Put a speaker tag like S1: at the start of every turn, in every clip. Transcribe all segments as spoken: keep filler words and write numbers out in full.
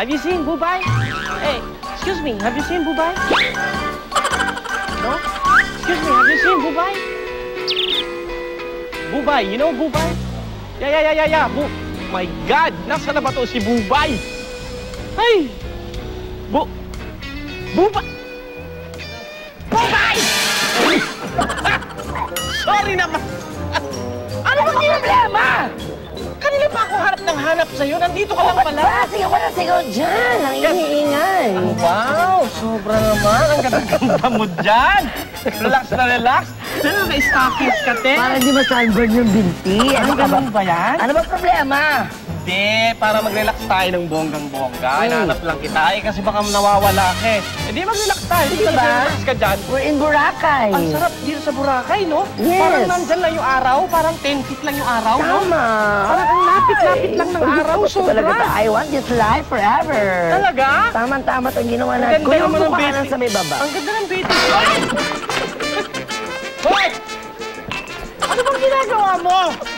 S1: Have you seen Bubay? Hey, excuse me, have you seen Bubay? No? Excuse me, have you seen Bubay? Bubay, you know Bubay? Yeah, yeah, yeah, yeah, yeah. Bu My God, nasa na ba to si Bubay? Ay! Bu... Bubay! Bubay! Sorry naman! Ano bang problema? Kanina pa ako hanap ng hanap sa'yo. Nandito ka lang pala.
S2: Sige, wala sigaw dyan. Ang ingay-ingay.
S1: Wow! Sobra naman. Ang ganda-ganda mo dyan. Relax na relax. Ano ba, stockings ka, te?
S2: Para di ma-sunburn yung binti.
S1: Ano ganun ba yan?
S2: Ano ba problema?
S1: Hindi, para mag-relax tayo ng bonggang-bongga. Hmm. Hinahanap lang kita. Eh, kasi baka nawawala ka eh. Hindi, mag-relax tayo. Hindi
S2: ba?
S1: Mag-relax ka dyan.
S2: We're in Boracay.
S1: Ang sarap dito sa Boracay, no?
S2: Yes.
S1: Parang nandyan lang yung araw. Parang ten feet lang yung araw, no?
S2: Tama.
S1: Parang ang lapit-lapit lang ng araw. Sobra.
S2: Talaga, I want this life forever.
S1: Talaga?
S2: Tama-tama itong ginawa natin.
S1: Ang ganda naman ng
S2: Kuya,
S1: basic.
S2: sa may baba.
S1: Ang ganda ng basic. Hoy! Ano bang ginagawa mo?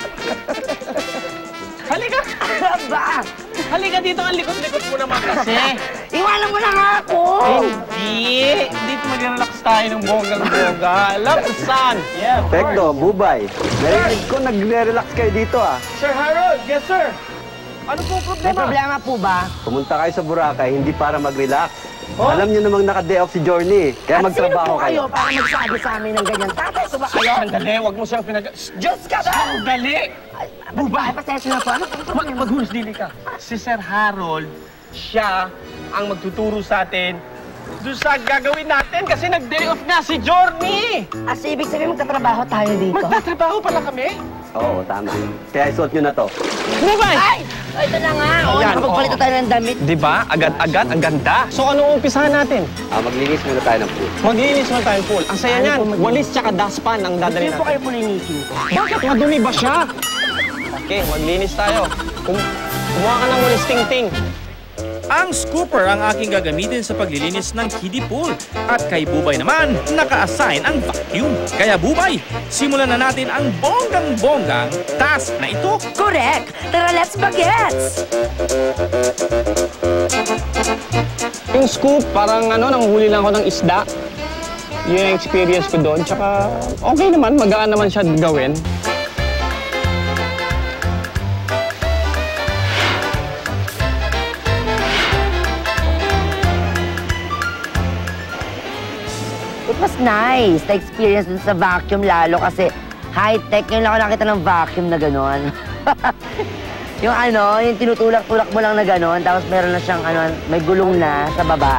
S1: Halika!
S2: Ba?
S1: Halika dito, ang likod-likod mo naman kasi.
S2: Iwanan mo na nga ako!
S1: Hindi! Dito mag-relax tayo ng bonggang-bongga. Love the sun! Yeah, of course.
S3: Pekto, Bubay. Narinig ko nagre-relax kayo dito ah.
S1: Sir Harold! Yes, sir! Ano po problema?
S2: May problema po ba?
S3: Pumunta kayo sa Boracay, hindi para mag-relax.
S1: Oh?
S3: Alam niyo namang naka-day off si Journey, kaya
S2: At
S3: magtrabaho
S2: sino po kayo
S3: kayo.
S2: para magsabi sa amin ng ganyan? Tatay ko ba kayo?
S1: Sandali, huwag mo siyang pinag...
S2: Diyos ka ba?
S1: Sandali!
S2: Bubay, pasensya na po. Ano po?
S1: Mag Maghunos dili ka. Si Sir Harold, siya ang magtuturo sa atin doon sa gagawin natin kasi nag-day off nga si Journey!
S2: As ibig sabihin magtatrabaho tayo dito?
S1: Magtatrabaho pala kami?
S3: Oo, tama. Kaya isuot niyo na to.
S1: Bubay!
S2: Ay! Ay, ito na nga. O,
S1: Ayan,
S2: nakapagpalit na tayo ng damit.
S1: Di ba? Agad-agad, ang ganda. So, anong umpisahan natin?
S3: Ah, maglinis muna tayo ng pool.
S1: Maglinis mo tayong pool. Ang saya
S2: Ano
S1: niyan.
S2: po maglinis?
S1: Walis tsaka dustpan ang dadali
S2: Hindi po
S1: natin.
S2: kayo pulinisin ko.
S1: Bakit? Madumi ba siya? Okay, maglinis tayo. Kum kumuha ka ng walis ting-ting.
S4: Ang scooper ang aking gagamitin sa paglilinis ng kiddie pool. At kay Bubay naman, naka-assign ang vacuum. Kaya Bubay, simulan na natin ang bonggang-bonggang task na ito.
S2: Correct! Tara, let's bagets!
S1: Yung scoop, parang ano, nanghuli lang ako ng isda. Yun yung experience ko doon. Tsaka okay naman, magaan naman siya gawin.
S2: It was nice, the experience dun sa vacuum lalo kasi high-tech. Ngayon lang ako nakita ng vacuum na gano'n. Yung ano, yung tinutulak-tulak mo lang na gano'n, tapos meron na siyang ano, may gulong na sa baba.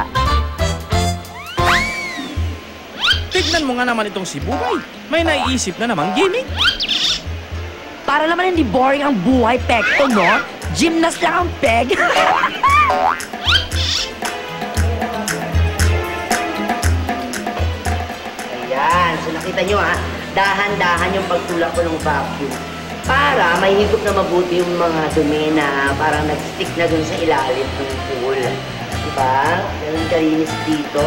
S4: Tignan mo nga naman itong si Bubay. May naiisip na namang gimmick.
S2: Para naman hindi boring ang buhay, Pekto, no? Gymnast lang ang peg. Ayan, so nakita nyo ha, dahan-dahan yung pagtulak ko ng vacuum. Para may higop na mabuti yung mga dumi na parang nag-stick na dun sa ilalim ng pool. Diba? Ganun kalinis dito.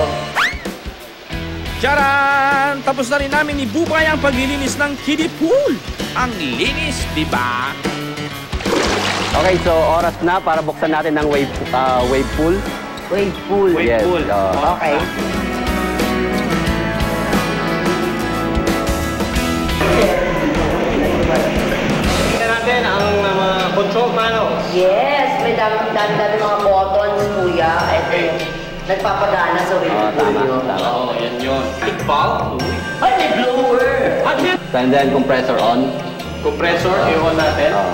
S4: Charan! Tapos na rin namin ni Bubay ang paglilinis ng kiddie pool. Ang linis, di ba?
S3: Okay, so oras na para buksan natin ng wave, uh, wave pool.
S2: Wave pool.
S1: Wave
S3: Yes,
S1: pool.
S3: uh,
S2: Okay.
S1: Tingnan natin ang mga control panels.
S2: Yes, may dami-dami mga buttons, kuya. Ito yung nagpapagana sa wave
S3: Oh,
S2: pool
S3: tama,
S2: yun.
S3: tama.
S1: Oo, yan yun. Big bulb.
S2: Ay, may blower!
S1: At yun,
S3: And then compressor on.
S1: compressor, i-on natin.
S3: Oh.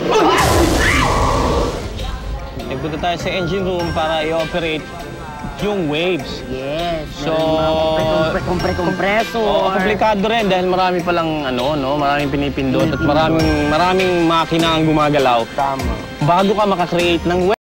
S1: Nagpunta tayo sa engine room para i-operate yung waves.
S2: Yes,
S1: So,
S2: kompre-kompresor.
S1: Oo, komplikado rin dahil marami palang ano, no, maraming pinipindot at maraming maraming makina ang gumagalaw.
S2: Tama.
S1: Bago ka makakreate ng